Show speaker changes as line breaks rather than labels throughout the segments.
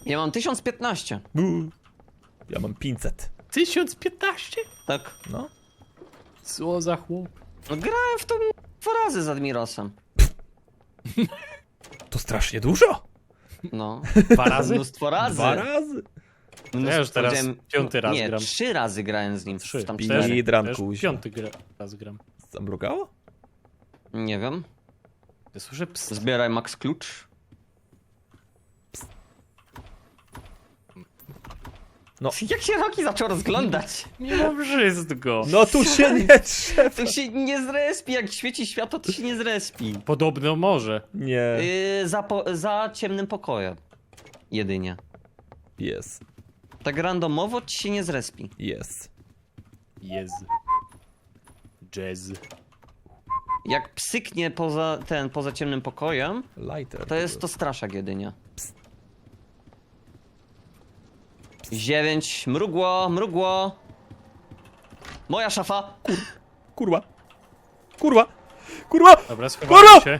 Ja mam 1015.
Ja mam 500.
1015?
Tak.
No.
Co za chłop?
No grałem w to 2 razy z Admirosem.
To strasznie dużo.
No.
2 razy?
Mnóstwo razy.
2 razy.
Ja już teraz
Powiedziałem-
5. raz
nie,
gram.
3 razy grałem z nim.
3.
Tam
Pi-
4.
Dran,
Ja już
kuźwa.
5. raz gram.
Zamrugało?
Nie wiem.
Ja słyszę ps.
Zbieraj max klucz.
No.
Jak się Roki zaczął rozglądać?
Nie mam wszystko.
No tu się nie trzeba.
To się nie zrespi, jak świeci światło, to się nie zrespi.
Podobno może.
Nie.
Za ciemnym pokojem. Jedynie.
Jest.
Tak randomowo ci się nie zrespi.
Jest.
Jest. Jazz.
Jak psyknie poza ciemnym pokojem,
Lighter.
to jest to straszak jedynie. 9, mrugło, mrugło. Moja szafa.
Kurwa. Kurwa. Kurwa.
Dobra, schowałem się.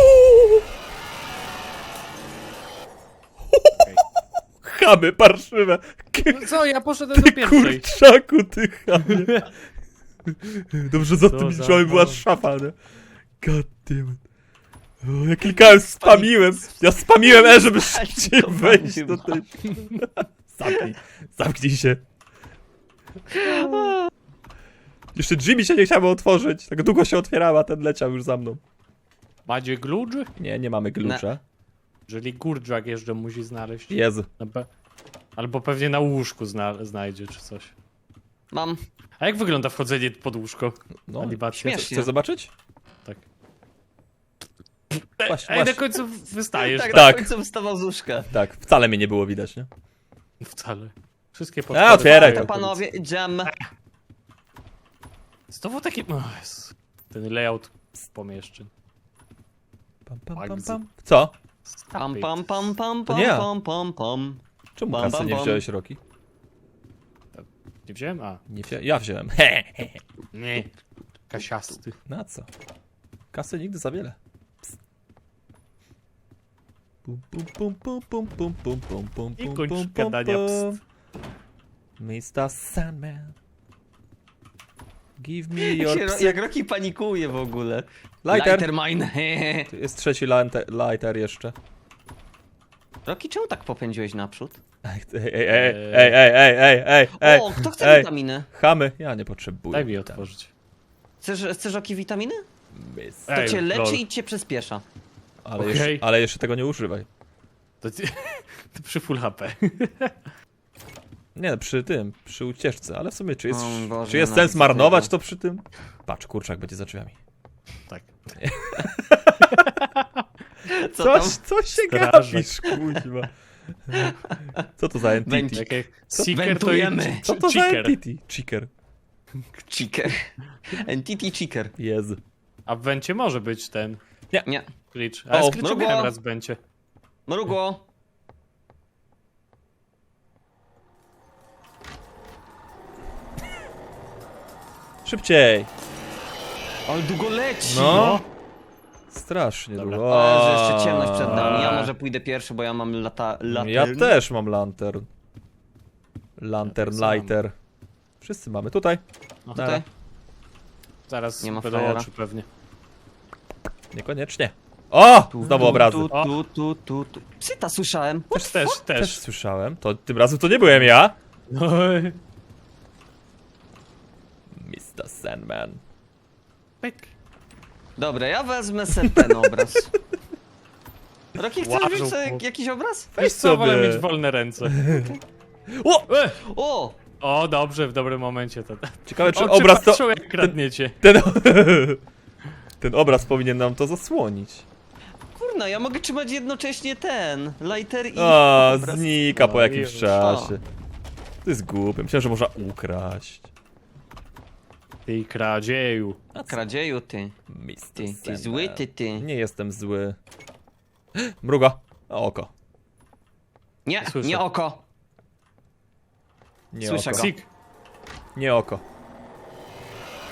Chamy parszywe.
No co, ja poszedłem do
Ty
pierwszej.
kurczaku, ty chamie. Dobrze, za
Co
tymi
za
drzwiami była
pan.
szafa, nie? God damn it. O, ja klikałem, spamiłem. Ja spamiłem żeby szybciej
to
wejść
chyba.
do tej... Zamknij się. Jeszcze drzwi mi się nie chciały otworzyć. Tak długo się otwierała, ten leciał już za mną.
Macie gludż?
Nie, nie mamy klucza.
Jeżeli gurdżak jeszcze musi znaleźć.
Jezu.
Albo pewnie na łóżku znajdzie czy coś.
Mam.
A jak wygląda wchodzenie pod łóżko?
No,
Animacja.
śmiesznie.
chcesz zobaczyć?
Tak.
Właśnie,
Ej, na
właśnie.
końcu wystajesz.
Tak,
Tak.
na końcu wstawał z łóżka.
Tak, wcale mnie nie było widać, nie?
Wcale. Wszystkie
otwieraj
To
go.
panowie, jam.
Znowu taki... O Jezu. Ten layout pomieszczeń.
Pam, pam, pam,
Bugs.
pam. Co?
Pam, pam, pam, pam,
To
pam,
nie ja.
pam, pam, pam.
Czemu
Bam,
kasy
bam,
nie
bam.
wziąłeś, Roki?
Nie wziąłem? A.
Nie ja wziąłem.
Nie. Kasiasty.
Na co? Kasy nigdy za wiele. Psst. Pum, pum, pum, pum, pum, pum, pum, pum, pum,
I
pum,
kończ
pum,
gadania,
pum. Mr. Sandman. Give me your
Jak Roki panikuje w ogóle.
lighter.
mine.
Tu jest trzeci lighter jeszcze.
Roki, czemu tak popędziłeś naprzód?
Ej.
O, kto chce
ej.
witaminy?
Chamy? Ja nie potrzebuję.
Daj mi otworzyć.
Chcesz Roki witaminy? To
Ej,
cię leczy
lol.
i cię przyspiesza.
Okej.
Ale jeszcze tego nie używaj.
To przy full HP.
Nie, przy ucieczce, ale w sumie czy jest,
O Boże,
czy jest
nienawidzę
sens marnować
tego.
to przy tym? Patrz, kurczak będzie za drzwiami.
Tak.
Co tam?
Co się
Strażak.
gapisz, kuźwa? Co to za entity?
Będzie-
Tak jak Seeker to
Wentujemy.
Co to za
Cheeker.
entity? Cheeker.
Cheeker. Entity cheeker.
Jezu.
A w Wencie może być ten
Nie.
glitch. Ale
O,
z glitchem
mrugło.
miałem raz w Wencie.
Mrugło.
Szybciej.
Ale długo leci.
No. Strasznie
Dobra.
długo.
O, że jeszcze ciemność przed nami. Ja może pójdę pierwszy, bo ja mam lantern.
Ja też mam lantern. Lantern,
Ja tak samo.
lighter. Wszyscy mamy. Tutaj.
No,
Tutaj.
Zaraz
Nie ma
będą
frajera.
oczy pewnie.
Niekoniecznie. O! Znowu obrazy.
Tu. Psyta słyszałem.
Też.
Też słyszałem. To tym razem to nie byłem ja.
No,
Mr. Sandman.
pyk.
Dobra, ja wezmę sobie ten obraz. Roki, chcesz
Łażą
wziąć sobie
po-
jakiś obraz?
Wiesz co, wolę
sobie.
mieć wolne ręce.
O!
O!
O, dobrze, w dobrym momencie to.
Ciekawe, czy
Oczy
obraz to...
patrzą, jak kradniecie.
Ten obraz powinien nam to zasłonić.
Kurna, ja mogę trzymać jednocześnie ten lighter i
O,
obraz.
znika po
No,
jakimś
już.
czasie. To jest głupie. Myślałem, że można ukraść.
Ty kradzieju.
Kradzieju, ty.
Mr.
Ty
Sandman.
zły, ty.
Nie jestem zły. Mruga. O, oko.
Nie,
Słyszę.
nie oko.
Nie
Słyszę
oko.
go.
Sik.
Nie oko.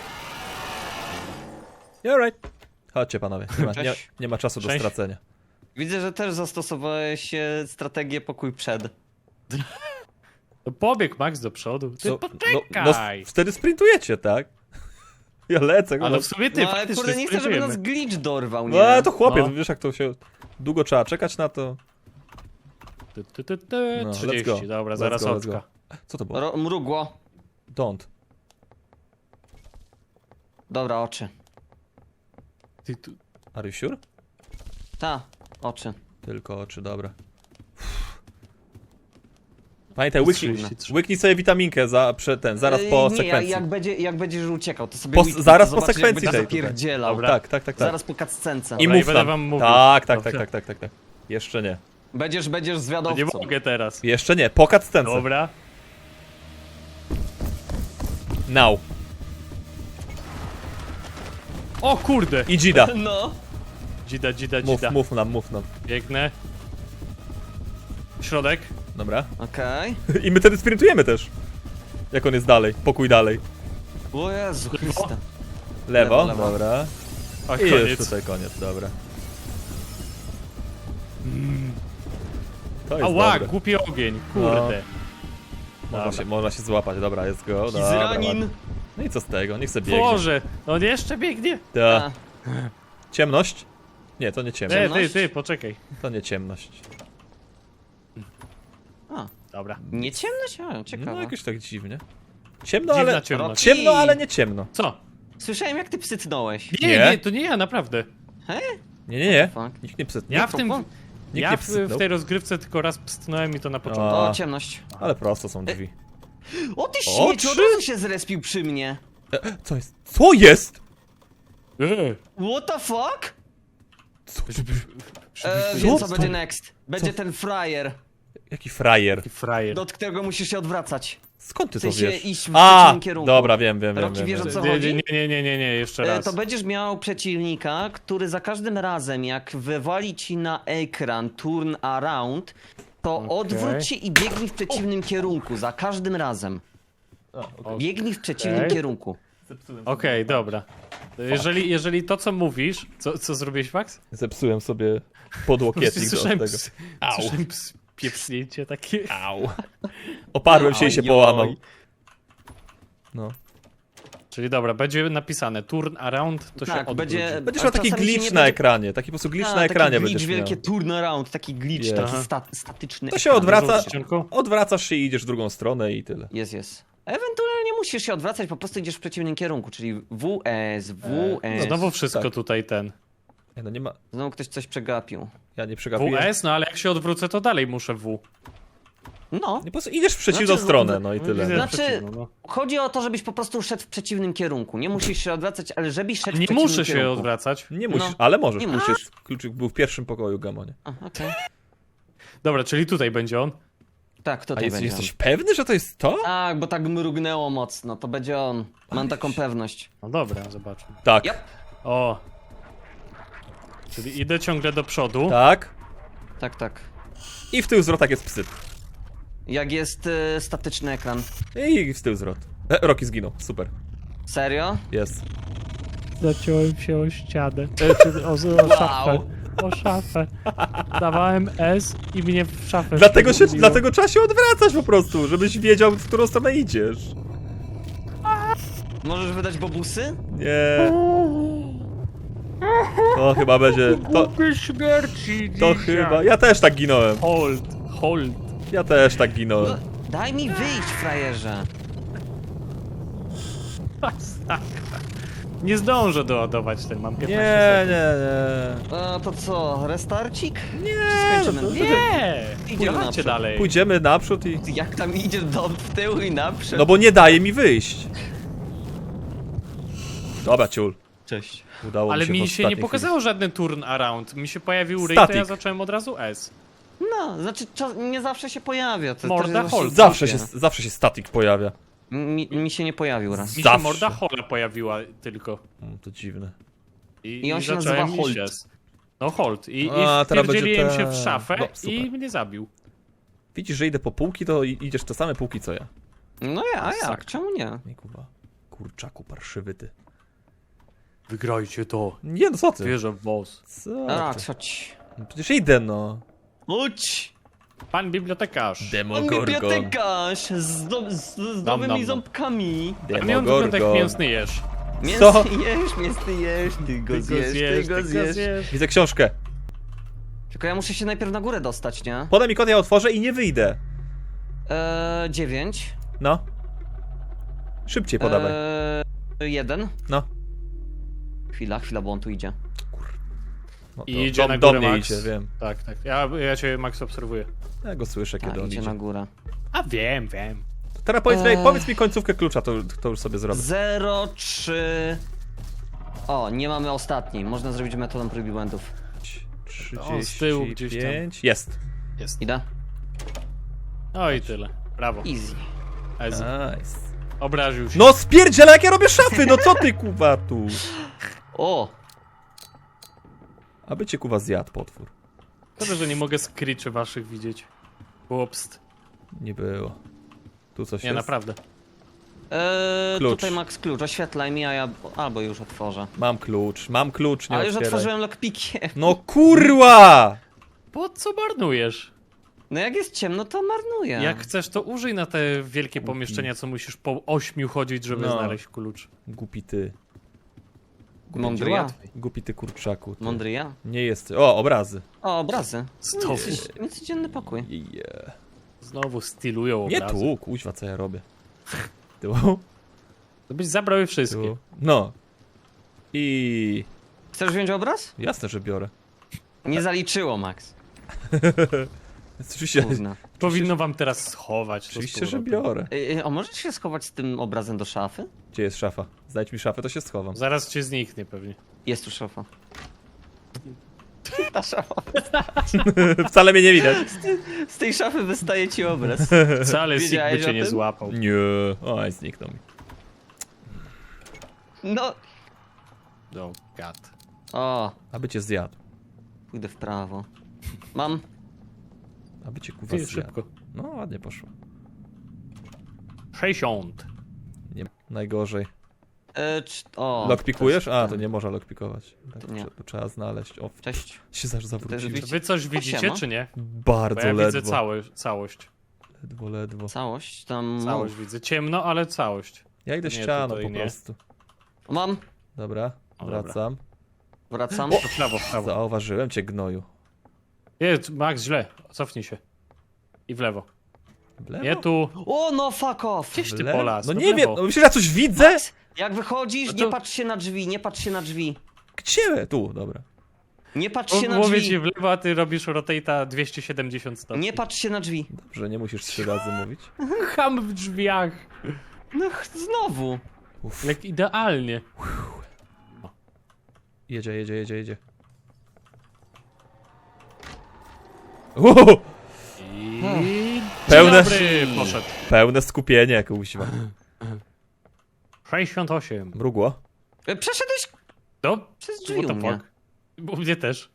Alright. Chodźcie panowie. Nie ma
Cześć.
czasu do
Cześć.
stracenia.
Widzę, że też zastosowałeś strategię pokój przed.
No pobieg Max do przodu. Ty
Co?
poczekaj!
No, wtedy sprintujecie, tak? Ja lecę,
Ale w sumie ty
No ale
faktycznie
kurde, nie chcę, żeby nas
sprintujemy.
glitch dorwał,
No
nie?
ale to chłopie,
No.
wiesz jak to się... Długo trzeba czekać na to. No, let's
30,
go.
dobra,
Let's
zaraz
go, let's
oczka.
go. Co to było?
Mrugło.
Don't.
Dobra, oczy.
Ty tu...
Are you sure?
Ta, oczy.
Tylko oczy, dobra. Pamiętaj, łyknij,
33.
łyknij sobie witaminkę zaraz po
nie,
sekwencji.
jak będziesz uciekał, to sobie łyknij,
zaraz
to
po
zobaczysz,
sekwencji
jak
tej
będzie
tutaj.
zapierdzielał.
Dobra.
Tak.
Zaraz po cutscence.
I
Dobra,
mów
będę
nam.
wam mówił.
Tak.
Dobrze.
Jeszcze nie.
Będziesz
To
zwiadowcą.
nie mogę teraz.
Jeszcze nie, po cutscence.
Dobra.
Now.
O kurde!
I Dzida.
No.
Dzida.
Mów nam.
Biegnę. Środek.
Dobra.
Okej.
I my wtedy sprintujemy też. Jak on jest dalej, pokój dalej.
O Jezu Chryste.
Lewo,
Lewo.
dobra.
O,
I już
koniec.
tutaj koniec, dobra. To jest
Ała,
dobre.
głupi ogień, kurde.
Można się złapać, dobra, jest go. Dobra,
Izranin.
ładnie. No i co z tego, niech sobie biegnie.
Boże, on jeszcze biegnie.
Ta.
A,
Ciemność? Nie, to nie ciemność.
Ciemność?
Ty, poczekaj.
To nie ciemność.
a.
Dobra.
Nie ciemność? A,
No
ciekawe.
jakoś tak dziwnie. Ciemno,
Dziwna
ale...
ciemność.
Ciemno, ale nie ciemno.
Co?
Słyszałem jak ty psycnąłeś.
Nie,
Nie?
to nie ja, naprawdę.
Nie.
Fuck.
Nikt nie psytnął.
Ja w tym...
fuck?
Nikt
Ja
nie
w
psytnął.
tej rozgrywce tylko raz pstnąłem i to na początku.
A.
O, ciemność.
Ale prosto są drzwi.
O ty
O,
śmieci, od
trzy?
razu się zrespił przy mnie.
Co jest? Co jest?
What the fuck?
Co?
Wiem co
Co?
będzie next. Będzie ten frajer,
Jaki frajer.
Taki frajer.
do którego musisz się odwracać.
Skąd ty
W
to
sensie
wiesz?
iść w
A,
przeciwnym kierunku.
dobra, wiem.
Rocky, wiesz, o co
Nie,
chodzi?
nie, jeszcze raz.
To będziesz miał przeciwnika, który za każdym razem jak wywali ci na ekran turn around, to
Okej.
odwróć się i biegnij w przeciwnym kierunku, za każdym razem. Biegnij w przeciwnym
Okej.
kierunku.
Okej, dobra. Jeżeli to co mówisz... Co zrobiłeś, Max?
Zepsułem sobie podłokietnik do
Słyszałem
tego. Au.
Słyszałem piepsnięcie takie.
Au. Oparłem się i się
Oj,
połamał.
oj.
No.
Czyli dobra, będzie napisane turn around, to się
Tak,
odwróć.
będzie...
Będziesz
a
miał taki
czasami się
glitch
nie
na
będzie-
ekranie. Taki po prostu glitch
A,
na ekranie
taki glitch,
będziesz miał.
wielkie turn around, taki glitch,
Jest.
taki statyczny.
To się
ekran.
odwraca,
Ścianku?
odwracasz się i idziesz w drugą stronę i tyle.
Jest. Ewentualnie musisz się odwracać, po prostu idziesz w przeciwnym kierunku, czyli WS.
No znowu wszystko
tak.
tutaj ten.
Nie, no nie ma...
Znowu ktoś coś przegapił.
Ja nie przegapiłem.
WS, no ale jak się odwrócę, to dalej muszę W.
No.
Nie, po prostu idziesz w przeciwną
Znaczy,
stronę, no i tyle.
Widzę
Znaczy-
przeciwną, no.
Chodzi o to, żebyś po prostu szedł w przeciwnym kierunku. Nie musisz się odwracać, ale żebyś szedł w
Nie
przeciwnym
muszę się
kierunku.
odwracać.
Nie musisz,
No.
ale możesz.
Nie
Kluczyk,
musisz.
kluczyk był w pierwszym pokoju, Gamonie.
A, okej.
Dobra, czyli tutaj będzie on.
Tak, to
A
tutaj będzie
jesteś
on.
pewny, że to jest to?
Tak, bo tak mrugnęło mocno, to będzie on. Mam taką pewność.
No dobra, zobaczmy.
Tak.
Yep.
O. Czyli idę ciągle do przodu.
Tak.
Tak.
I w tył zwrot tak jest psyt.
Jak jest statyczny ekran.
I w tył zwrot. Rocky zginął, super.
Serio?
Jest.
Zaciąłem się o ścianę. O szafę. O szafę. Dawałem S i mnie w szafę wbiło.
Dlatego trzeba się odwracać po prostu, żebyś wiedział, w którą stronę idziesz.
Możesz wydać bobusy?
Nie. To chyba będzie.
Głupie śmierci
To chyba. Ja też tak ginąłem.
Hold.
Ja też tak
No,
ginąłem.
daj mi wyjść, frajerze.
Nie zdążę doładować ten, mam 15
Nie.
To co, restarcik?
Nie.
Skończymy.
No,
Nie!
Idziemy
Chodźcie
naprzód.
dalej.
Pójdziemy naprzód i.
Jak tam idzie w tył i naprzód?
No bo nie daje mi wyjść. Dobra, ciul.
Cześć.
Udało
Ale
mi się
mi
w
się nie
ostatniej
pokazało żaden turn around. Mi się pojawił ray, to
Static.
ja zacząłem od razu S.
No, znaczy nie zawsze się pojawia. To
Morda
też jest
hold.
właśnie
chwili.
głupie.
Zawsze się static pojawia.
Mi się nie pojawił raz.
Mi się
Zawsze.
morda hola pojawiła tylko.
To dziwne.
I on się
zacząłem
nazywa
iść
Hold.
S. No hold. I
A, teraz będzie
wpierdzieliłem się
ten.
w szafę
No, super.
i mnie zabił.
Widzisz, że idę po półki, to idziesz te same półki co ja.
No ja, a jak?
Sak.
Czemu nie?
Nie kuwa. Kurczaku parszywy ty.
Wygrajcie to.
Nie no co ty?
Wierzę w boss.
Co
Rak,
ty?
chodź.
No przecież idę, no.
Chodź!
Pan bibliotekarz.
On
Demogorgon.
bibliotekarz z nowymi ząbkami.
A nie on wygląda jak mięsny jesz.
Co?
Mięsny jesz, ty go zjesz.
Widzę książkę.
Tylko ja muszę się najpierw na górę dostać, nie?
Podaj mi kod, ja otworzę i nie wyjdę.
9.
No. Szybciej podawaj.
1.
No.
Chwila, bo on tu idzie.
No to
I idzie na
do
górę,
mnie
Max.
idzie, wiem.
Tak, tak. Ja cię, Max, obserwuję.
Ja go słyszę, kiedy
A,
on
idzie
idzie.
na górę.
A wiem.
Teraz powiedz mi końcówkę klucza, to już sobie zrobię.
0, 3. O, nie mamy ostatniej. Można zrobić metodą prób i błędów.
35.
z tyłu gdzieś tam.
Jest.
Jest.
Idę?
No i tyle. Brawo.
Easy.
Ezy.
Nice.
Obraził się.
No spierdziela, jak ja robię szafy, no co ty kuwa tu?
O!
Aby cię kuwa zjadł potwór.
Szkoda, że nie mogę screeczy waszych widzieć. Łopst.
Nie było. Tu coś
Nie,
jest?
naprawdę.
Klucz.
Tutaj Max klucz, oświetlaj mi, a ja albo już otworzę.
Mam klucz, nie
Ale już
otwieraj.
otworzyłem lockpickiem.
No kurwa!
Po co marnujesz?
No jak jest ciemno, to marnuję.
Jak chcesz, to użyj na te wielkie pomieszczenia, co musisz po 8 chodzić, żeby
No.
znaleźć klucz.
Głupi ty.
Mądry ja.
Głupi ty kurczaku. Ty.
Mądry ja.
Nie jest. O, obrazy.
O, obrazy.
Znowu.
Niecodzienny pokój.
Yeah.
Znowu stylują
Nie
obrazy.
tu, kuźwa, co ja robię. Tu,
To byś zabrał je wszystkie.
tu. No. I...
Chcesz wziąć obraz?
Jasne, że biorę.
Nie zaliczyło, Max.
Oczywiście,
Gówno.
Powinno wam teraz schować. to z
oczywiście że
powrotem.
biorę.
A możesz się schować z tym obrazem do szafy?
Gdzie jest szafa? Znajdź mi szafę, to się schowam.
Zaraz cię zniknie pewnie.
Jest tu szafa. Ta szafa.
Wcale mnie nie widać.
Z tej szafy wystaje ci obraz.
Wcale Sig
Wiedziałeś
by cię
o
nie
tym?
złapał.
Nie. Oj, zniknął mi.
No.
No, gad.
O,
Aby cię zjadł.
pójdę w prawo. Mam.
Aby cię kuwa
Ty,
zjadł.
szybko.
No, ładnie poszło.
60.
Nie, najgorzej.
O.
Lockpikujesz?
to jest
A, to
ten.
nie można lockpikować. Tak,
To nie.
to trzeba znaleźć. O,
Cześć.
się zaraz zawróciłem.
drzwi?
Wy coś widzicie,
siema.
czy nie? Bo
Bardzo
ja
ledwo.
widzę całość.
Ledwo.
Całość tam.
Całość widzę. Ciemno, ale całość.
Ja idę
Nie,
ścianą
tutaj
po
nie.
prostu.
Mam.
Dobra,
O, dobra.
wracam.
Wracam.
To w prawo.
Zauważyłem cię, gnoju.
Jest, Max, źle. Cofnij się. I w lewo.
W lewo?
Nie tu.
O, no fuck off.
Gdzieś
W
ty
lewo?
polas.
No
w
nie wiem,
lewo.
no myślisz, że ja coś widzę?
Jak wychodzisz,
No to-
nie patrz się na drzwi, nie patrz się na drzwi.
Gdzie? Tu, dobra.
Nie patrz się na
Mówię
drzwi.
ci w lewo, a ty robisz rotate'a 270 stopni.
Nie patrz się na drzwi.
Dobrze, nie musisz 3 razy mówić.
Ham w drzwiach.
No znowu.
Uff.
Jak idealnie.
Jedzie. Uhu!
I...
Pełne-
Dobry, poszedł.
Pełne skupienie, kuźwa.
68.
Mrugło?
Przeszedłeś
No?
przez drzwi
What
u
the
mnie.
fuck? U mnie też.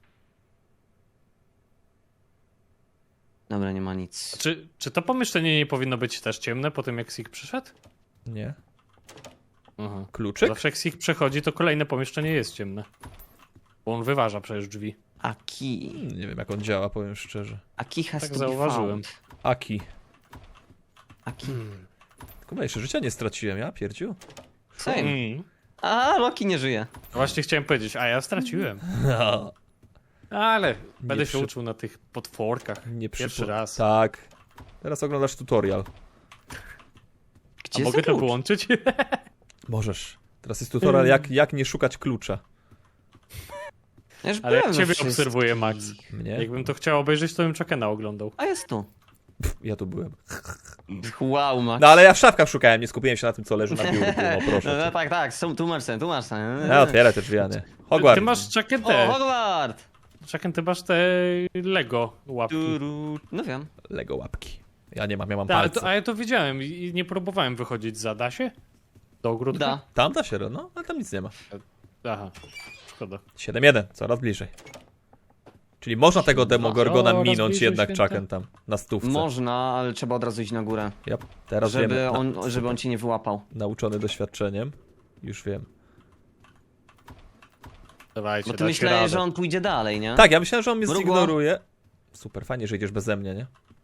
Dobra, nie ma nic.
Czy to pomieszczenie nie powinno być też ciemne po tym, jak Sig przyszedł?
Nie.
Aha.
Kluczyk?
Zawsze jak Sig przechodzi, to kolejne pomieszczenie jest ciemne. Bo on wyważa przecież drzwi.
Aki.
Nie wiem, jak on działa, powiem szczerze.
Aki has
Tak
to
zauważyłem.
be found.
Aki.
Aki.
Chyba jeszcze życia nie straciłem, ja pierdziu.
Same.
Mm.
A, Loki nie żyje.
Właśnie chciałem powiedzieć, a ja straciłem.
No,
Ale będę się
przy-
uczył na tych potworkach.
nie
Pierwszy raz.
Tak. Teraz oglądasz tutorial.
Gdzie
A
jest
mogę to
klucz?
wyłączyć?
Możesz. Teraz jest tutorial, jak nie szukać klucza.
Ja już
Ale jak
byłem we
ciebie
wszystkich.
obserwuję, Max.
Mnie?
Jakbym to chciał obejrzeć, to bym Chuckena oglądał.
A jest tu.
Ja tu byłem.
Wow, Max.
No ale ja w szafkach szukałem, nie skupiłem się na tym, co leży na biurku, no proszę
No
cię.
tak, tłumacz ten.
Ja otwieraj te drzwi, a nie. Hogwarts.
Ty masz Chucken
O,
te.
Hogwart!
Chucken, ty masz te Lego łapki.
No wiem.
Lego łapki. Ja nie mam, ja mam
Ta,
palce.
a ja to widziałem i nie próbowałem wychodzić za. Da się? Do ogródka?
Da.
Tam da się, no, ale tam nic nie ma.
Aha, szkoda.
7-1, coraz bliżej. Czyli można tego Demogorgona
Coraz
minąć
bliżej
jednak
święta.
Chucken tam, na stówce.
Można, ale trzeba od razu iść na górę.
Ja teraz wiem,
Żeby on cię nie wyłapał.
nauczony doświadczeniem, już wiem.
Dawajcie,
Bo ty
dacie
myślałeś,
radę.
że on pójdzie dalej, nie?
Tak, ja myślałem, że on mnie
Mrugło.
zignoruje. Super, fajnie, że idziesz beze mnie, nie?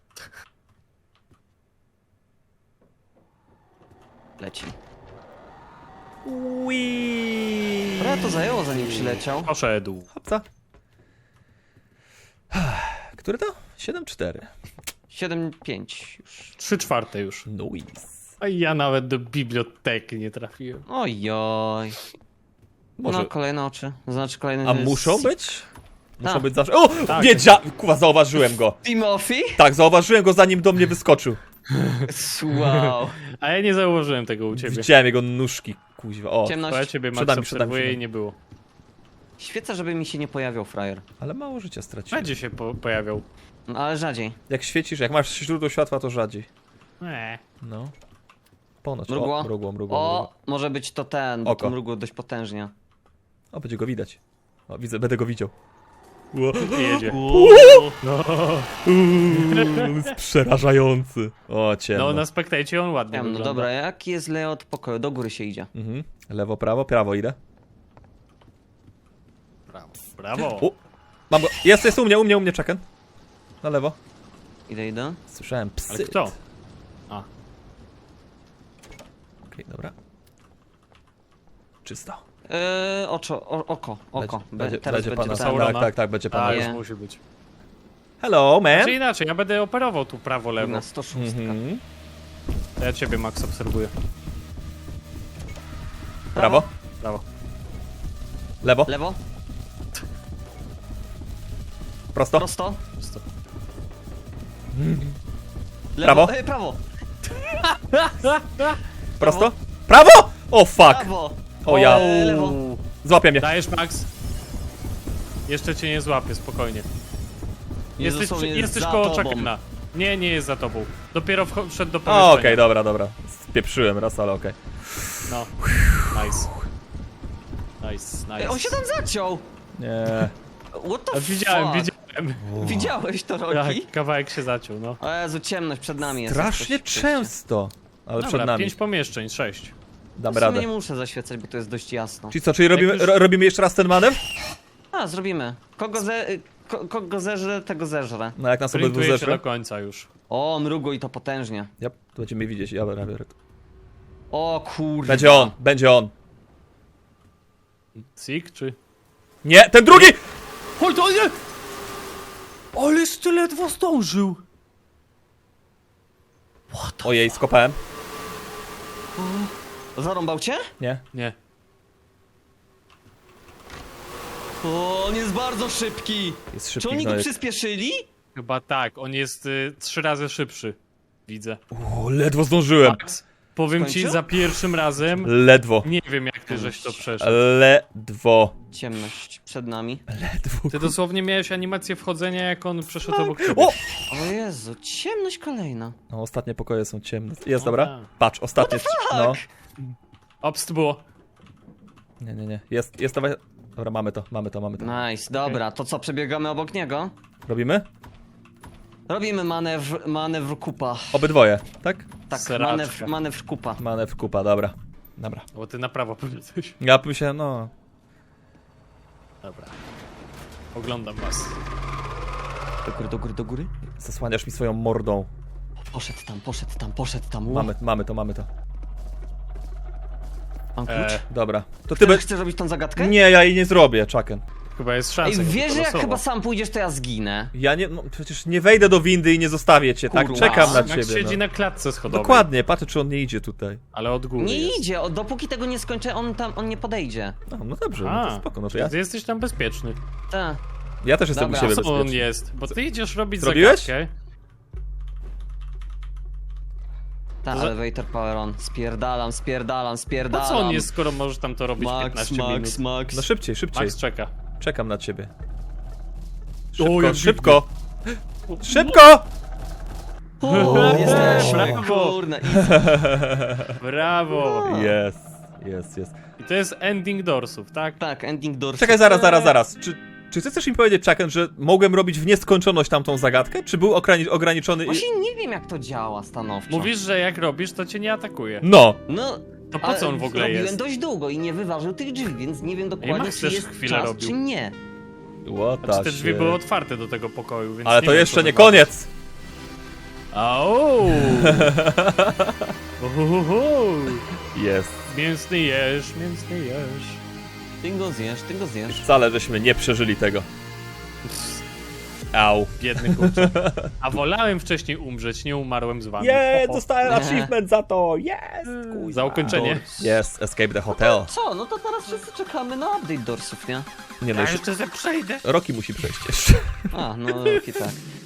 Leci.
Uiii.
Trochę to zajęło, zanim przyleciał.
Poszedł.
Hopca. Który to? 7-4.
7-5 już.
3/4 już.
Nice.
A ja nawet do biblioteki nie trafiłem.
Ojoj.
Może...
No, kolejne oczy. Znaczy kolejny...
A muszą być? Muszą
Tak.
być zawsze... O!
Tak.
Kuwa, zauważyłem go.
Timothy?
Tak, zauważyłem go, zanim do mnie wyskoczył.
Wow.
A ja nie założyłem tego u ciebie.
Widziałem jego nóżki, kuźwa. O,
Bo ja
Ciemność.
ciebie
Przed
Max
nami, przed nami,
obserwuję
przed
i nie było.
Świecę, żeby mi się nie pojawiał frajer.
ale mało życia straciłem.
Będzie się pojawiał.
No, ale rzadziej.
Jak świecisz, jak masz źródło światła, to rzadziej. No. Ponoć.
Mrugło?
O, mrugło.
O, może być to ten, bo
Oko.
to mrugło dość potężnie.
O, będzie go widać. O, widzę, będę go widział. Ło.
Jedzie.
On jest przerażający. O, ciemno.
No na spektajcie on ładnie
No
wygląda.
dobra, jaki jest layout pokoju? Do góry się idzie.
Mhm. Lewo, prawo idę.
Brawo. Brawo.
O, mam go. Jest u mnie, czekaj. Na lewo.
Idę.
Słyszałem psy.
Ale kto? A.
Okej, dobra. Czysto.
Oko.
Będzie
Teraz
pana.
będzie ten.
Saurona.
Tak, będzie pana.
Tak,
Nie.
już musi być.
Hello, man.
Czy inaczej, ja będę operował tu prawo-lewo.
Na 106.
Mhm.
Ja ciebie, Max, obserwuję.
Prawo,
Brawo.
lewo,
Lewo,
prosto.
prosto.
Prosto.
Lewo,
Prawo.
prawo.
Prosto. Prawo! O, fuck!
Prawo.
O ja.
Lewo.
Złapie mnie.
Dajesz, Max? Jeszcze cię nie złapię, spokojnie.
Dosłownie
Jesteś
za
koło
tobą.
Chuckena. Nie, nie jest za tobą. Dopiero wszedł do
O,
pomieszczenia.
okej, dobra. Spieprzyłem raz, ale okej.
No. Nice. Nice.
On się tam zaciął.
Nie.
What the
A widziałem.
Widziałeś to, Roki?
Tak, kawałek się zaciął, no.
O Jezu, ciemność przed nami jest.
Strasznie
Coś-
często. Ale
Dobra,
przed nami.
5 pomieszczeń, 6.
Damy
W sumie
radę.
nie muszę zaświecać, bo to jest dość jasno.
Czyli co, czyli robimy,
Jak już-
robimy jeszcze raz ten manewr?
A, zrobimy. Kogo zeżrę, tego zeżrę.
No jak nas obydwu
Sprintuję się
zeszły.
do końca już.
O, mrugło i to potężnie.
Ja, to będziemy widzieć, ja biorę to.
O kurde.
Będzie on.
Sik, czy...
Nie, ten drugi!
Oj, to nie! Ależ ty ledwo zdążył!
Ojej, skopałem.
Zarąbał cię?
Nie.
Nie.
O, on jest bardzo szybki.
Jest
Czy
szybki
oni go
gnojek.
przyspieszyli?
Chyba tak, on jest 3 razy szybszy. Widzę.
O, ledwo zdążyłem.
Max, powiem ci,
Skończył?
za pierwszym razem
Ledwo.
nie wiem jak ty żeś to przeszedł.
Ledwo.
Ciemność przed nami.
Ledwo.
Ty dosłownie miałeś animację wchodzenia, jak on przeszedł obok ciebie.
O!
O Jezu, ciemność kolejna.
No, ostatnie pokoje są ciemne. Jest,
O,
dobra?
tak.
Patrz, ostatnie. No.
Obst było.
Nie. Jest, dawaj. Dobra, mamy to.
Nice, dobra, to co, przebiegamy obok niego?
Robimy?
Robimy manewr kupa.
Obydwoje, tak?
Tak,
Seraczka.
manewr kupa.
Manewr kupa, dobra. Dobra.
Bo ty na prawo powiedziałeś.
Ja myślałem, no.
Dobra. Oglądam was.
Do góry.
Zasłaniasz mi swoją mordą.
Poszedł tam.
Mamy to.
Mam klucz?
Dobra. To ty
Chcesz robić tą zagadkę?
Nie, ja jej nie zrobię, Chucken.
Chyba jest
Ej,
szansa.
wiesz, że jak
losowo.
chyba sam pójdziesz, to ja zginę.
Ja nie, no przecież nie wejdę do windy i nie zostawię cię, tak?
Kurwa.
Czekam na
Max
ciebie.
siedzi
No.
na klatce schodowej.
Dokładnie, patrzę czy on nie idzie tutaj.
Ale od góry
Nie
jest.
idzie, dopóki tego nie skończę, on nie podejdzie.
No dobrze, no to spoko, no to ja,
Ty jesteś tam bezpieczny.
Tak.
ja też jestem
Dobra,
u siebie
Co on
bezpieczny.
jest? Bo ty idziesz robić
Zrobiłeś?
zagadkę.
Tak,
To za-
elevator power on. Spierdalam.
Po co on jest, skoro możesz tam to robić 15 minut?
No szybciej.
Max czeka.
Czekam na ciebie.
O, jak
Szybko! Szybko!
O, jesteśmy,
Brawo.
kurna.
Brawo!
Jest.
I to jest ending doorsów, tak?
Tak, ending doors.
Czekaj, zaraz. Czy ty chcesz mi powiedzieć, Chucken, że mogłem robić w nieskończoność tamtą zagadkę? Czy był ograniczony...
Właśnie nie wiem, jak to działa stanowczo.
Mówisz, że jak robisz, to cię nie atakuje.
No!
No,
To po co on w ogóle
robiłem
jest?
dość długo i nie wyważył tych drzwi, więc nie wiem dokładnie,
Max
czy
też
jest
chwilę
czas,
robił.
czy nie.
What
Znaczy, te
the
drzwi
shit.
były otwarte do tego pokoju, więc
Ale
nie
to
wiem,
jeszcze
co
nie
wyważył.
koniec!
Au! Uhuhu.
Jest.
Mięsny jesz.
Ty go zjesz.
Wcale żeśmy nie przeżyli tego. Au.
Biedny kurczak. A wolałem wcześniej umrzeć, nie umarłem z wami. Ho, ho.
dostałem
Nie.
achievement za to! Jest!
Za ukończenie.
Jest, escape the hotel.
Co? No to teraz wszyscy czekamy na update dorsów, nie?
Nie no,
Ja
jeszcze
jeszcze przejdę.
Roki musi przejść jeszcze.
A, no okej, tak.